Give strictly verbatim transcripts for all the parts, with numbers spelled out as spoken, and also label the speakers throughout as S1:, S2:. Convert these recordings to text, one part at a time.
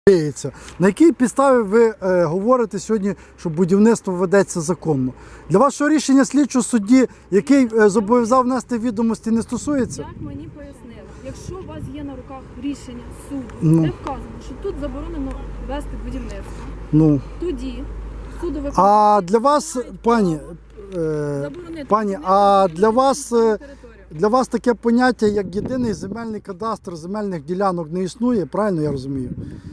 S1: На якій підставі ви е, говорите сьогодні, що будівництво ведеться законно? Для вашого рішення слідчого судді, який е, зобов'язав внести відомості, не стосується?
S2: Як мені пояснили, якщо у вас є на руках рішення суду,
S1: Ну.
S2: де вказано, що тут заборонено вести будівництво,
S1: Ну.
S2: тоді суду ви
S1: А для вас, пані, е,
S2: заборонити
S1: пані,
S2: будівництво
S1: а
S2: на
S1: для вас, е,
S2: територію.
S1: для вас таке поняття, як єдиний земельний кадастр земельних ділянок не існує, правильно я розумію?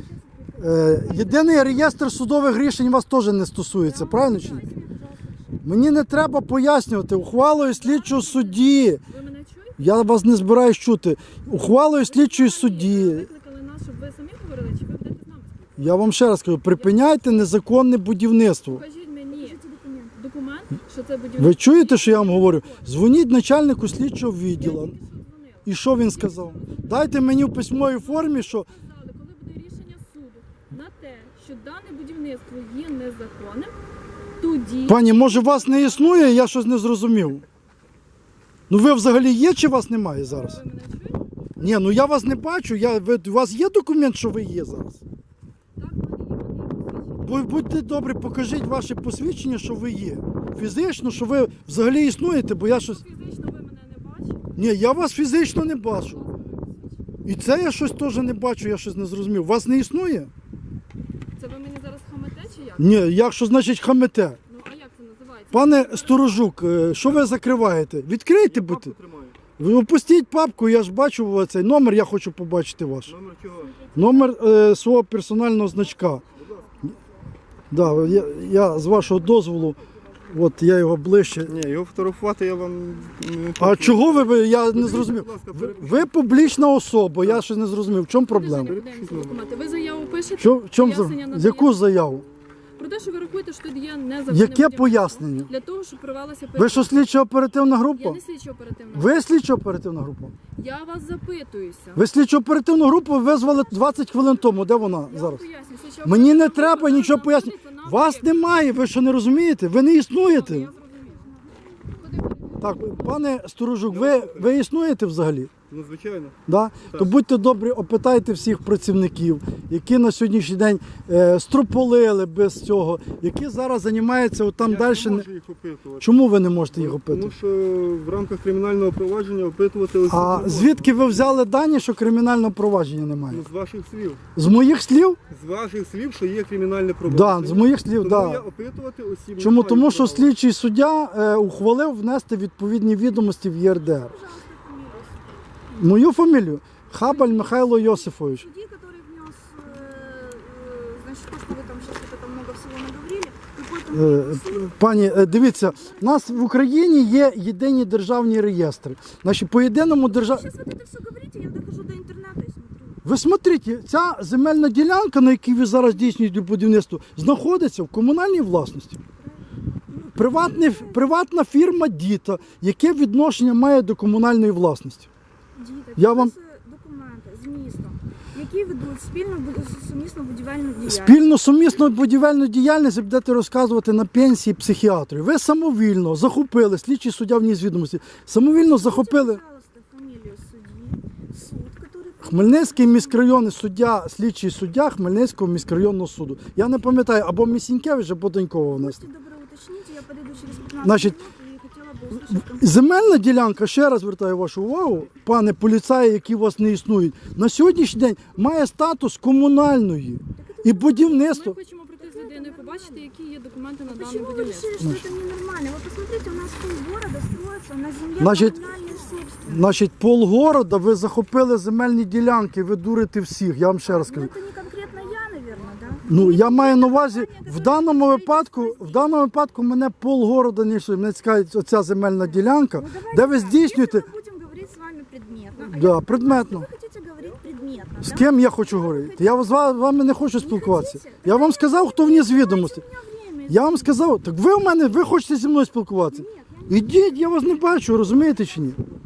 S1: Е, єдиний реєстр судових рішень вас теж не стосується, правильно чи ні? Мені не треба пояснювати. Ухвалою слідчого судді,
S2: Ви мене чуєте?
S1: я вас не збираюсь чути, ухвалою слідчої судді,
S2: Викликали нас, щоб ви самі говорили, чи ви будете з нами?
S1: я вам ще раз кажу, припиняйте незаконне будівництво.
S2: Покажіть мені документ, що це будівництво.
S1: Ви чуєте, що я вам говорю? Дзвоніть начальнику слідчого відділу.
S2: Я тільки що дзвонила.
S1: І що він сказав? Дайте мені в письмовій формі, що
S2: Сказали, коли буде рішення суду на те, що дане будівництво є незаконним, тоді...
S1: пані, може вас не існує, я щось не зрозумів. Ну ви взагалі є чи вас немає зараз?
S2: Ви мене чуєте?
S1: Ні, ну я вас не бачу. Я, ви, у вас є документ, що ви є зараз?
S2: Так, вони є,
S1: Бу- Будьте добрі, покажіть ваше посвідчення, що ви є. Фізично, що ви взагалі існуєте, бо я щось...
S2: фізично ви мене не бачите.
S1: Ні, я вас фізично не бачу. І це я щось теж не бачу, я щось не зрозумів. Вас не існує?
S2: Це ви мені зараз хамете чи як?
S1: Ні, як що значить хамете?
S2: Ну, а як це називається?
S1: Пане Сторожук, е, що ви закриваєте? Відкрийте, будьте. Ви опустіть папку, я ж бачу цей номер, я хочу побачити ваш.
S3: Номер чого?
S1: Номер е, свого персонального значка. Да, я, я з вашого дозволу, от я його ближче.
S3: Ні, його фотографувати я вам не
S1: А чого ви, ви, я не зрозумів.
S3: Будь ласка,
S1: Ви,
S3: перепишіть.
S1: ви публічна особа, я щось не зрозумів. В чому проблема?
S2: Подивіться документи. Ви заяву пишете?
S1: Що, в чому, за-
S2: Пояснення надаєте?
S1: яку заяву?
S2: Про те, що ви рахуєте, що тут є незаконне
S1: Яке
S2: будівництво.
S1: пояснення?
S2: Для того, щоб провелася
S1: Ви що, слідчо оперативна
S2: Я
S1: група?
S2: не слідчо оперативна.
S1: Ви слідчо оперативна група?
S2: Я вас запитуюся.
S1: Ви слідчо оперативну групу визвали двадцять хвилин тому. Де вона
S2: Я вам
S1: зараз?
S2: поясню. Слідчо
S1: Мені не
S2: оперативна
S1: треба
S2: група
S1: нічого
S2: зараз
S1: пояснювати.
S2: знаходиться на
S1: Вас
S2: об'єкті.
S1: немає, ви що не розумієте? Ви не існуєте.
S2: Я зрозумів.
S1: Так, пане Сторожук, ви, ви існуєте взагалі?
S3: Ну, звичайно.
S1: Да? То будьте добрі, опитайте всіх працівників, які на сьогоднішній день е, строполили без цього, які зараз займаються от там
S3: Я
S1: далі.
S3: не
S1: Не...
S3: можу їх опитувати.
S1: Чому ви не можете їх
S3: Тому
S1: опитувати?
S3: що в рамках кримінального провадження опитувати осіб
S1: А
S3: не можна.
S1: звідки ви взяли дані, що кримінального провадження немає?
S3: Ну, з ваших слів.
S1: З моїх слів?
S3: З ваших слів, що є кримінальне
S1: Да,
S3: провадження.
S1: з моїх слів,
S3: Тому
S1: да.
S3: я опитувати осіб не
S1: Чому?
S3: маю
S1: Тому що
S3: права.
S1: слідчий суддя е, ухвалив внести відповідні відомості в Є Р Д Р. Мою фамілію? Хабаль Михайло Йосифович.
S4: Судьи, который внес, э, э, значит, то, что вы там сейчас вот это много всего наговорили, какой-то
S1: Е,
S4: суд.
S1: Пані, е, дивіться, у нас в Україні є єдині державні реєстри. Значить, по єдиному держав...
S4: Сейчас вот это все говорите, я дохожу до интернета и смотрю.
S1: Ви смотрите, ця земельна ділянка, на якій ви зараз здійснюєте будівництво, знаходиться в комунальній власності. Приватний, приватна фірма «Діта», яке відношення має до комунальної власності?
S4: Діти,
S1: Я вам-
S4: документи з містом, які ведуть спільну бу- сумісну будівельну діяльність.
S1: Спільно сумісну будівельну діяльність ви будете розказувати на пенсії психіатрів. Ви самовільно захопили, слідчий суддя вніс відомості, самовільно захопили
S4: Пожалуйста, фамилию судьи, суд, который...
S1: Хмельницький міськрайонний суддя, слідчий суддя Хмельницького міськрайонного суду. Я не пам'ятаю, або Місінькевич, або Донькова внесли.
S4: Будьте добры, уточните, я подойду через пятнадцать
S1: Значит,
S4: минут и хотела бы услышать...
S1: Земельна ділянка, ще раз звертаю вашу увагу, пане поліцаї, які у вас не існують, на сьогоднішній день має статус комунальної. І будівництво.
S2: Ми хочемо прийти з людиною, побачити, які є документи на дане
S4: Почему вы
S2: будівництво.
S4: решили, что это ненормально? Вы посмотрите, у нас полгорода строится на земле
S1: Значит,
S4: коммунальной собственности.
S1: Значить, полгорода ви захопили земельні ділянки, ви дурите всіх, я вам ще раз
S4: Ну,
S1: кажу.
S4: это не конкретно я, наверное, да?
S1: Ну, я маю на увазі, в даному випадку, в даному випадку мене полгорода не йшли. Мене цікавить оця земельна ділянка,
S4: Ну, давайте
S1: де ви
S4: так,
S1: здійснюєте.
S4: Если мы будем говорить с вами предметно, а
S1: Да,
S4: я-
S1: предметно.
S4: Вы хотите говорить предметно,
S1: З
S4: да?
S1: ким я хочу говорити? Я з ва- вами не хочу спілкуватися. Я вам сказав, хто вніс відомості.
S4: У меня время.
S1: Я вам сказав, так ви у мене, ви хочете зі мною спілкуватися?
S4: Нет, я не...
S1: Ідіть, я вас не бачу, розумієте чи ні?